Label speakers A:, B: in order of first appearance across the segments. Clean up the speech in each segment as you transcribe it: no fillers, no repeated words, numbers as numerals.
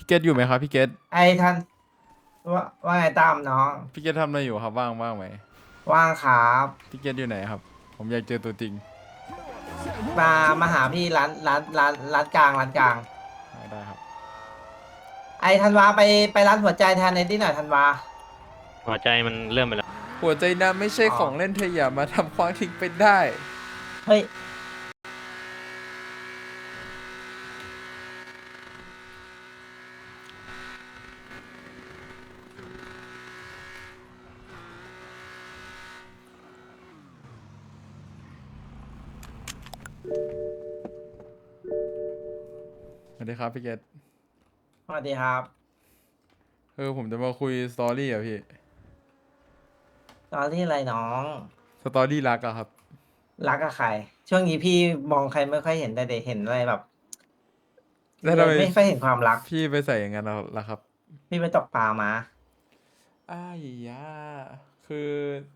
A: เกตอยู่ไหมครับพี่เกต
B: ไอ้ท่านว่าไงตามน้อง
A: พี่เกตทำอะไรอยู่ครับว่างไหม
B: ว่างครับ
A: พี่เกตอยู่ไหนครับผมอยากเจอตัวจริง
B: มามาหาพี่ร้านกลางร้านกลาง
A: ได้ครับ
B: ไอ้ธันวาไปร้านหัวใจแทนในที่หน่อยธันวา
C: หัวใจมันเริ่มไปแล้ว
A: หัวใจน้ำไม่ใช่
B: อ๋อ
A: ของเล่นเธออย่ามาทำความทิ้งไปได้
B: เฮ้ย
A: สวัสดีครับพี่เกต
B: สวัสดีครับ
A: ผมจะมาคุยสตอรี่อะพี่
B: ตอนที่อะไรน้อง
A: สตอรี่รักอะครับ
B: รักกับใครช่วงนี้พี่มองใครไม่ค่อยเห็นแต่เด็กเห็นอะไรแบบ
A: แล้วทำไม
B: เลยไม่ค่อยเห็นความรัก
A: พี่ไปใส่อย่างนั้นล่ะครับ
B: พี่ไปตกปลามา
A: อ้ายยาคือ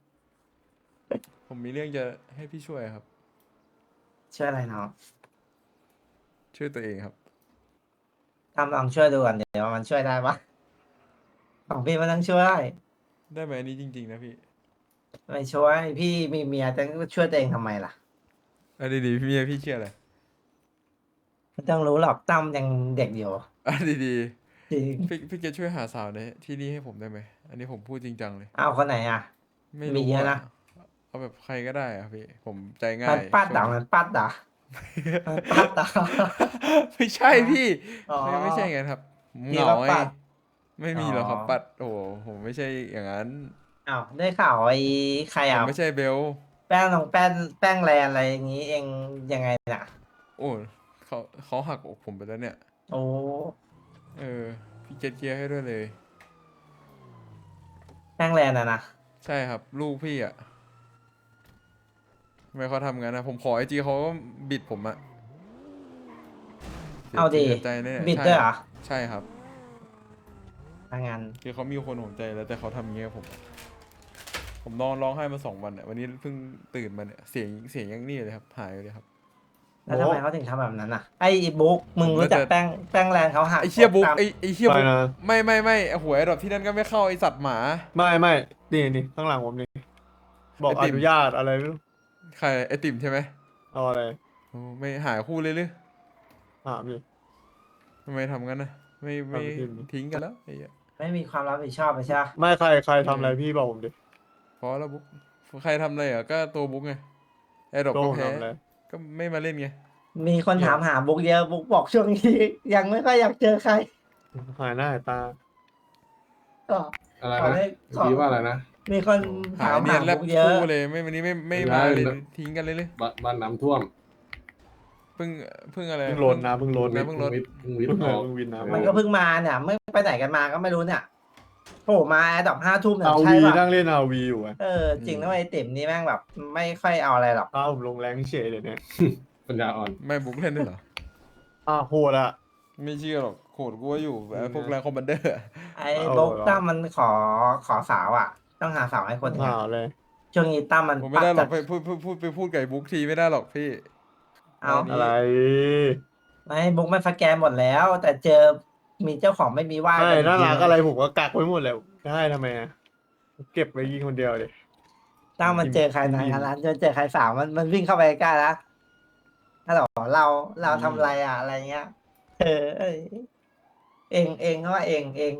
A: ผมมีเรื่องจะให้พี่ช่วยครับ
B: ช่วยอะไรน้อง
A: ช่วยตัวเองครับ
B: ทำลองช่วยดูก่อนเดี๋ยวมันช่วยได้ปะของพี่มันต้องช่วย
A: ได้ไหมอันนี้จริงๆนะพี่
B: ไม่ช่วยพี่มีเมียจะช่วยตัวเองทำไมล่ะ
A: อันดีๆพี่เชื่ออะไร
B: ไม่ต้องรู้หรอกตั้มยังเด็กอยู่
A: อันดี
B: จริง
A: ๆพี่เกตช่วยหาสาวในที่นี่ให้ผมได้ไหมอันนี้ผมพูดจริงจังเลย
B: เอาคนไหนอ่ะ
A: ไม่รู้อ่ะ
B: มีเยอะนะ
A: เอาแบบใครก็ได้อะพี่ผมใจ
B: มั
A: ง่าย
B: นปัดด่า
A: ช่วงนี้
B: มันปัดด่ามันปัดด่า
A: ไม่ใช่พี่
B: อ๋อ
A: ไม่ใช่ไงครับผมเห
B: พี่
A: งาไง
B: ว่าปัด
A: ไม่
B: อ๋อ
A: มีหรอกครับปัดโอ้โหผมไม่ใช่อย่างนั้น
B: อ้าวได้ข่าวไอ้ใครอ่ะ
A: ผมไม่ใช่เบล
B: แป้งน้องแป้งแลนอะไรอย่างงี้เองยังไงน่ะ
A: โอ้เขาเขาหักอกผมไปแล้วเนี่ย
B: โอ้
A: เออพี่เกตเคลียร์ให้ด้วยเลย
B: แป้งแลนอ่ะนะ
A: ใช่ครับลูกพี่อ่ะทำไมเขาทำงั้นนะผมขอไอจีเขาก็บิดผมอะ
B: เอาดี
A: เสียใจเนี่ยใช่ครับ
B: บิดด้วยเหรอ
A: ใช่ครับ
B: ทางงาน
A: คือเขามีคนห่วงใจแล้วแต่เขาทำอย่างเงี้ยกับผมนอนร้องไห้มา2 วันเนี่ยวันนี้เพิ่งตื่นมาเนี่ยเสียงยังนี่เลยครับหายไปเลยครับ
B: แล้วทำไมเขาถึงทำแบบนั้นอ่ะไอ้บุ๊กมึงรู้
A: ผมน่าจะ
B: จักแป้งแลนเขาหัก
A: ไอเชียบุ๊ก
B: ตาม
A: ไอเชียบุ๊ก
D: ไปนะ
A: ไม่ไอหัวไอดอกที่นั่นก็ไม่เข้าไอสัตว์หมา
D: ไม่นี่ข้างหลังผมนี่บอกอ
A: ไอติม
D: นุญาตอะไรไม่รู้
A: ใครไอติมใช่ไหม
D: เอาอะไร
A: โอ้ไม่หายคู่เลยหรือ
D: ถามดิ
A: ทำไมทำงั้นนะไม่
D: ถามพี่ดิ
A: ทิ้งกันแล้วไอ้เหี้ย
B: ไม่มีความรับผิดชอบไปใช่ปะ
D: ไม่ใครทำอะไรพี่บอกผมดิ
A: พอแล้วบุ๊กใครทำอะไรอ่ะก็ตัวบุ๊กไงไอดอก
D: โต้ผม
A: ก็แพ้
D: ทำอะไร
A: ก็ไม่มาเล่นไง
B: มีคน
A: เกี่ยว
B: ถามหาบุ๊กเยอะบุ๊กบอกช่วงนี้ยังไม่ค่อยอยากเจอใคร
D: หายหน้าหายตา
B: ก็
E: อะไรนะ
B: ขอให้ขอ
E: พี่ว่าอะไรนะ
B: มีคน
A: หา
B: ถามหา
A: ยเนียนแลบ
B: บุ๊กเยอะ
A: คู่เลยไม่วันนี้ไม่มาเลยทิ้งกันเลย
E: บ้านน้ำท่วม
A: เพิ่งอะไร
D: เพิ่งโหลดนะเพิ่งโหลด
A: นะเพิ่งลด
E: วิทย์ออก
D: เพิ่งวินน้ำ
B: มันก็เพิ่งมาเนี่ยไม่ไปไหนกันมาก็ไม่รู้เนี่ยโผล่มาแอดดอก5 ทุ่มเนี่ย
D: เอา
B: ใช่
D: วี
B: ป่ะ
D: นั่งเล่นเอาวีอยู่อ่ะ
B: จริงนะไอ้ติ๋มนี่แม่งแบบไม่ค่อยเอาอะไรหรอก
D: อ้าวผมลงแรงเฉยเลยเนี่ย
E: ปัญญาอ่อน
A: ไม่บุ๊กเล่นด้วยเหรอ
D: อ้าวโหดอ่ะ
A: ไม่เชื่อหรอกโขดกูว่าอยู่พวกแรงคอมมานเดอร์
B: ไอ้บุ๊กตั้มมันขอสาวอ่ะต้องหาสาวให้คนเนี่ย
D: หาเลย
B: ช่วงนี้ตั้มมัน
A: ผมไม่
B: ปัด
A: ได้หร
B: จั
A: อก
B: ด
A: ไปพูดไก่บุ๊กทีไม่ได้หรอกพี่
B: เอา
A: นนี้
D: อะไร
B: ไม่บุ๊กมันสแกนหมดแล้ว แต่เจอมีเจ้าของไม่มีว่า
D: ไม่
B: กันอีก
D: น่า
B: ที
D: รักอะไรผมก็กักไว้หมดเลยได้ทำไมอะเก็บไว้ยิงคนเดียวเลย
B: ตั้มมันเจอใครในร้านเจอใครสาวมันวิ่งเข้าไปใกล้แล้วฮัลโหลเราทำอะไรอ่ะอะไรเงี้ยเอ้ยเองเขาว่าเอง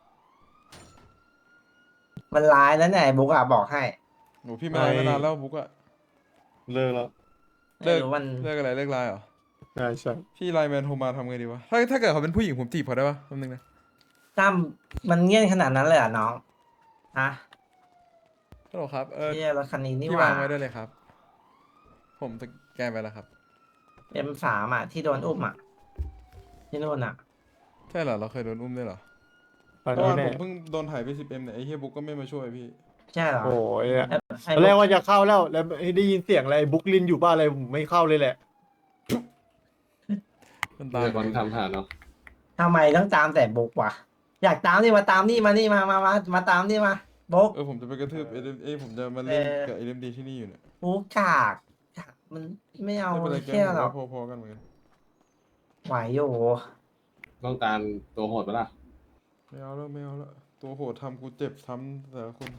B: มันร้ายแล้วเนี่ยไอ้บุ๊กอ่ะบอกให้
A: หนูพี่ไม่ไลน์มานานแล้วบุ๊กอะ
D: เลิกแล้ว
A: เลิก
B: ไม่รู้มัน
A: เลิกอะไรเลิกไลน์เหรอ
D: ใช่
A: พี่ไลน์แมนโทรมาทำไงดีวะถ้าเกิดเขาเป็นผู้หญิงผมจีบเขาได้ปะแป๊บนึงนะ
B: ตั้มมันเงี้ยนขนาดนั้นเลยเหรอ่ะน้องฮะ
A: ฮัลโหลครับ
B: เที่ยรถคันนี้นี่
A: พี่
B: หว่าว
A: างไว้ได้เลยครับ ผมสแกนไปแล้วครับ
B: M3อ่ะที่โดนอุ้มอ่ะที่นู่นอ่ะ
A: ใช่เหรอเราเคยโดนอุ้มด้วยเหรอ
D: ตอน
A: เมื่อ
D: นี้
A: วาน
D: แน่
A: ผมเพิ่งโดนถ่ายไป10Mเนี่ยไอ้เฮียบุ๊กก็ไม่มาช่วยพี่
B: ใช่เหรอ
D: โอ้ยอะ
B: ไอ้
D: ตอนแร
B: บุ๊
D: ก
B: ก
D: ว่าจะเข้าแล้วได้ยินเสียงอะไรบุ๊กลินอยู่บ้านอะไรผมไม่เข้าเลยแหละ
A: มัน
E: มี
A: ตาม
E: แต่คนทำหาเนาะ
B: ทำไมต้องตามแต่บุ๊กวะอยากตามนี่มาตามนี่มานี่มาตามนี่มาบุ๊ก
A: ผมจะไปกระทืบผมจะมาเล่น
B: เออ
A: กับเอ็มดีที่นี่อยู่เนี่ย
B: บุ๊กกากมันไม่เอา
A: ไม่เป็นไรแก
B: แค่
A: ผม
B: หรอ
A: ว่าก พอๆกันเหมือนกัน
B: ไหวอยู่
E: ต้องการตัวโหดปะล่ะ
A: ไม่เอาแล้วไม่เอาแล้วตัวโหดทำกูเจ็บซ้ำแต่ละคน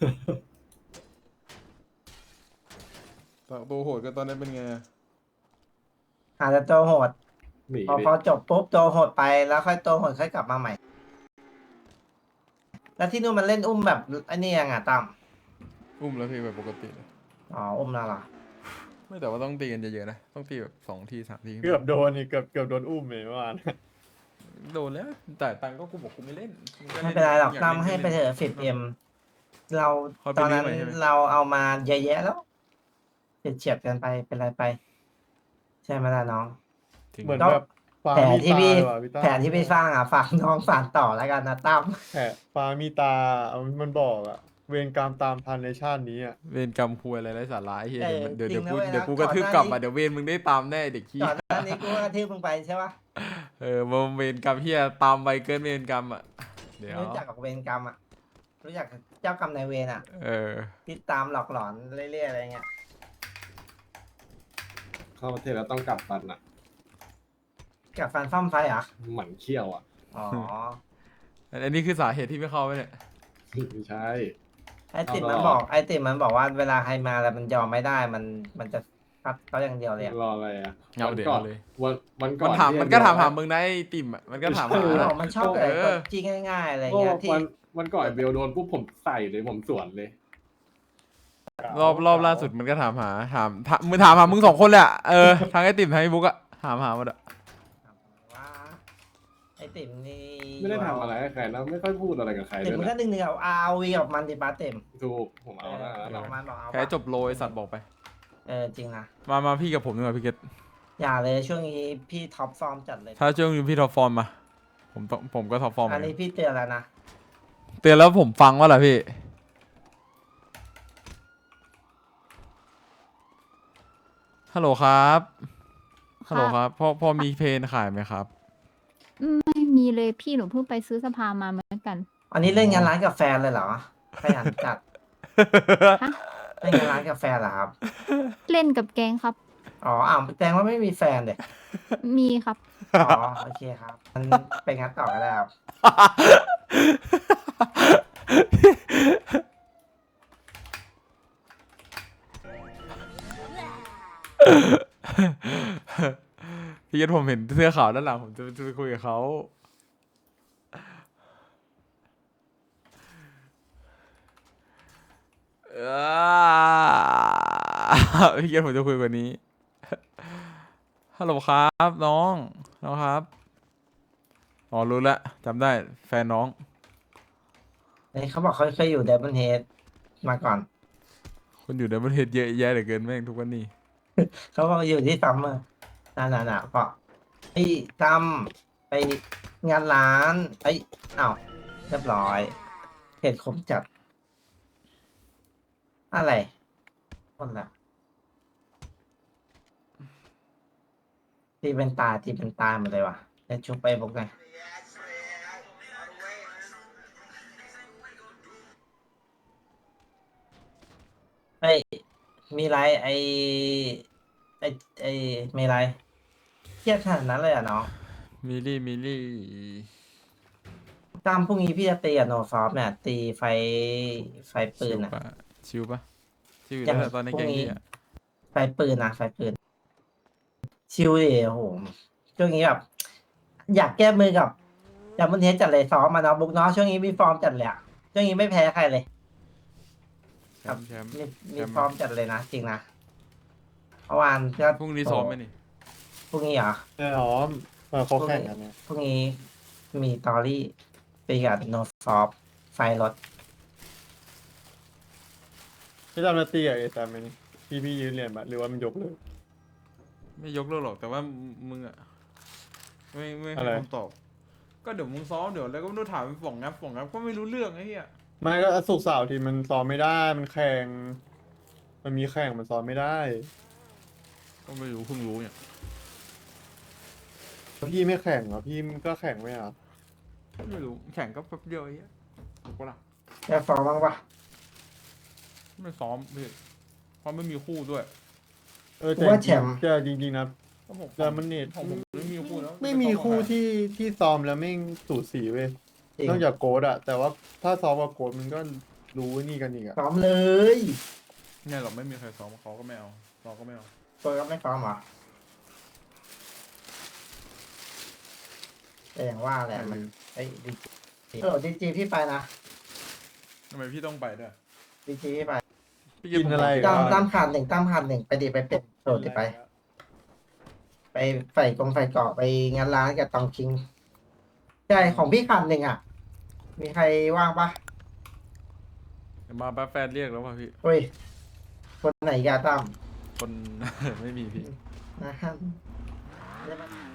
A: ตัวโหดก็ตอนนี้เป็นไงอะ
B: อาจจะตัวโหด
E: หนี
B: พอ
E: ดิ
B: พอจบปุ๊บตัวโหดไปแล้วค่อยตัวโหดค่อยกลับมาใหม่ แล้วที่นู่นมันเล่นอุ้มแบบไอ้นี่ยังอ่ะตั้ม
A: อุ้มแล้วพี่แบบปกติเลย
B: อ๋ออุ้มแล้วเหรอ
A: ไม่แต่ว่าต้องตีกันเยอะๆนะต้องตีแบบ2 ที3 ที
D: เกือบโดนนี่เกือบโดนอุ้มเลยเมื่อวาน
A: โดนแล้วแต่ตังค์ก็กูบอกกูไม่เล่นงก็
B: ไม่เป็นไรหรอก
A: ยา
B: ตั้ม
A: ล่น
B: ให้ไปเถอะ10M เรา
A: เขาไป
B: ตอนนั้น
A: เรื่อยๆใช่ไหม
B: เราเอามาเยอะแยะแล้วเฉียดกันไปเป็นไรไป ใช่ไหมล่ะน้อง
A: จริง
D: เหมือน
B: ก็
D: แบบฟาร์
B: แผ
D: ม
B: น
D: มี
B: ที่
D: ตา
B: พี่
D: เลยว่ะพี่ตั้ม
B: แผนที่พี่สร้างอ่ะฝากน้องฝากต่อแล้วกันนะตั้ม
D: แผนฟาร์มมีตาเอามันบอกอะเวรกรรมตามทันในชาตินี้อะ
A: เวรกรรมคุยอะไรไร้สาระไอ้เฮีย
B: เออ
A: เดี๋ยว
B: จริงนะเว้ยนะ
A: เดี๋ยวกู
B: ก่
A: ก
B: อน
A: ระทืบ
B: หน้าก
A: ลับ
B: นี้
A: อ่ะเดี๋ยวเวรมึงได้ตามแน่เด็กขี้
B: ก่อนหน้านี้กูก็กระทืบมึงไปใช่ปะ
A: มาเวรกรรมเฮียตามไปเกินเวรกรรมอ่ะเดี๋ยว
B: รู้จักกับเวรกรรมอ่ะรู้จักกับเจ้ากรรมนายเวรอ่ะ
A: เออ
B: ที่ตามหลอกหลอนเรื่อยๆอะไรเงี้ย
E: เข้าประเทศแล้วต้องกลับฟันอ่ะ
B: กับฟันฟ้อมไฟเหรอ
E: หมันเขี้ยวอ่ะ
B: อ๋อ
A: อันนี้คือสาเหตุที่ไม่เข้าไปเนี่ย
E: ไม่ใช่
B: ไอติม
E: เอา
B: มัน
E: หรอ
B: บอกไอติมมันบอกว่าเวลาใครมาแล้วมันยอมไม่ได้มันจะพัดเขาอย่างเดียวเลยอะ
E: รออะไรอ่ะ
A: เอา
E: วัน
A: เดี๋ยว
E: ก่อน
A: เอาเลย
E: วันก่
A: มั
E: อน
A: นถาม
E: ที่
A: มันก็ถาม
E: เบล
A: หามึงนะไอ้ติ่มอ่ะมันก็ถามหา
B: มัน
A: นะ
B: บอกมันชอบแต่
A: เออ
B: กดจี้ง่ายๆอะไร
E: โอ้
B: เงี้ยที่
E: วันก่อนไอ้เบลโดนปุ๊บผมใส่เลยผมสวนเลย
A: รอบล่าสุดมันก็ถามหามึงถามหามึง2 คนเลยอ่ะทางไอ้ติ่มทางไอ้บุ๊กอ่ะถามหาหมดอ่ะ
B: ว่าไอติมนี่
E: ไม่ได้ทำอะไรให้ใครนะไม่ค่อยพูดอะไรกับใคร
B: ติม
E: ด้วย
B: มันก็
E: นะ
B: หนึ่งกับROV กับมันดิป้าเต็ม
E: ถูกผมเอาหน้าแล้ว
B: บอกมันบอกเอา
A: แพ้จบโลไอ้สัตว์บอกไป
B: จริงนะ
A: มาพี่กับผมดีกว่าพี่เกต
B: อย่าเลยช่วงนี้พี่ท็อปฟอร์มจัดเลย
A: ถ้าช่วงนี้พี่ท็อปฟอร์มมาผมก็ท็อปฟอร์มเหมื
B: อั
A: อน น
B: นี้
A: กัน
B: พี่เตือนแล้วนะ
A: เตือนแล้วผมฟังว่าล่ะพี่ฮัลโหลครับฮัลโหลครับพอมีเพลงขายไหมครับ
F: ไม่มีเลยพี่หนูเพิ่งไปซื้อสภามาเหมือนกัน
B: อันนี้เล่นงานร้านกาแฟนเลยเหรอขยันจัด
F: ฮะ
B: เล่นงานร้านกาแฟเหรอครับ
F: เล่นกับแกงครับ
B: อ๋อแสดงว่าไม่มีแฟนเด็
F: มีครับ
B: อ๋อโอเคครับมันไปงั้นต่อก็ได้ครับ
A: พี่เกตผมเห็นเสื้อขาวด้านหลังผมจะไปคุยกับเขาพี่เกตผมจะคุยกว่านี้ ฮัลโหลครับน้องครับอ๋อรู้แล้วจำได้แฟนน้อง
B: เขาบอกเขาเคยอยู่เดบันเฮดมาก่อน
A: คนอยู่ในประเทศเยอะแยะเหลือเกินแม่งทุกวันนี้
B: เขาบอกอยู่ที่ซัมเมอร์น่ะก็ไอ้ตั้มไปงานร้านอ้าวเรียบร้อยเหตุคมจัด อะไรคนละตีเป็นตาหมดเลยว่ะจะชุบไปบุกไงเฮ้ยมีไรไอมีไรเครียดขนาดนั้นเลยเหรอ่ะน้อง
A: มิลลี่
B: ตามพรุ่งนี้พี่จะตีกับโนซอฟเนี่ย ตีไฟปืนอ่ะ
A: ชิวปะชิว
B: อย่าง
A: แล้วตอนในแกง
B: พวกนี้
A: นี้อะ
B: ไฟปืนนะไฟปืน ชิวดิโอ้โหช่วงนี้แบบอยากแก้มือกับดับเบิลเฮดจัดเลยซ้อมมาเนาะบุ๊กเนาะช่วงนี้มีฟอร์มจัดเลยอะช่วงนี้ไม่แพ้ใครเลย
A: แชมป์
B: มีฟอร์มจัดเลยนะจริงนะเมื่อวานก็
A: พรุ่งนี้ซ้อมไหมนี่
B: พรุ่งนี้เหรอ
D: แน่นอนเขาแข่งกันเนี่ย
B: พรุ่งนี้มีตอรี่ตีกับโนซอฟไฟรถ
D: พี่จำนาตีกับเอแซมไหมนี่พี่ยืนเรียนปะหรือว่ามันยกเลย
A: ไม่ยกเลิกหรอกแต่ว่ามึงอะไม่
D: อะ
A: ให้
D: ไร
A: คำตอบ ก็เดี๋ยวมึงซ้อมเดี๋ยวแล้วก็ไม่รู้ถามฝ่องงับก็ไม่รู้เรื่องไอ้เหี้ย
D: ไม่ก็สุกร์เสาร์ทีมันซ้อมไม่ได้มันแข่งมันมีแข่งมันซ้อมไม่ได้
A: ก็ไม่รู้เพิ่งรู้เนี่ย
D: พี่ไม่แข่งเหรอพี่ก็แข่งไม่เหรอ
A: ไม่รู้แข่งก็แป๊บเดียวไอ้เหี้ยถูกปะล่ะ
B: ได้ฟอร์มบ้างปะ
A: ไม่ซ้อมพี่เพราะไม่มีคู่ด้วย
D: แต่จริงๆนะ
A: ก็ผม
D: แต่มันเน็ต
A: ของผมไม่มีคู่แล้ว
D: ไม่มีคู่ที่ซ้อมแล้วไม่งสูสีเว้ย
B: จริง
D: นอกจากโกดอะแต่ว่าถ้าซ้อมกับโกดมันก็รู้นี่กันอีกอะ
B: ซ้อมเลย
A: เนี่ยเราไม่มีใครซ้อมเขาก็ไม่เอาเราก็ไม่เอา
B: ตัวก็ไม่ซ้อมเหรอแต่อย่างว่าแหละมันไอ้ดีจีพี่ไปนะ
A: ทำไมพี่ต้องไปด้วย
B: ดีจีพี่ไป
A: พี่
D: กินอะไร
B: ตั้มขาดหนึ่งไปดิไปเป็นโดดดิไป ไปใส่กองเกาะไปงานร้านกับตองคิงใช่ของพี่ขาดหนึ่งอ่ะ มีใครว่างปะ
A: เดี๋ยวมาแป๊บแฟนเรียกแล้วป่ะพี่
B: เฮ้ยคนไหนกาตั้ม
A: คน ไม่มีพี่
B: นะฮะ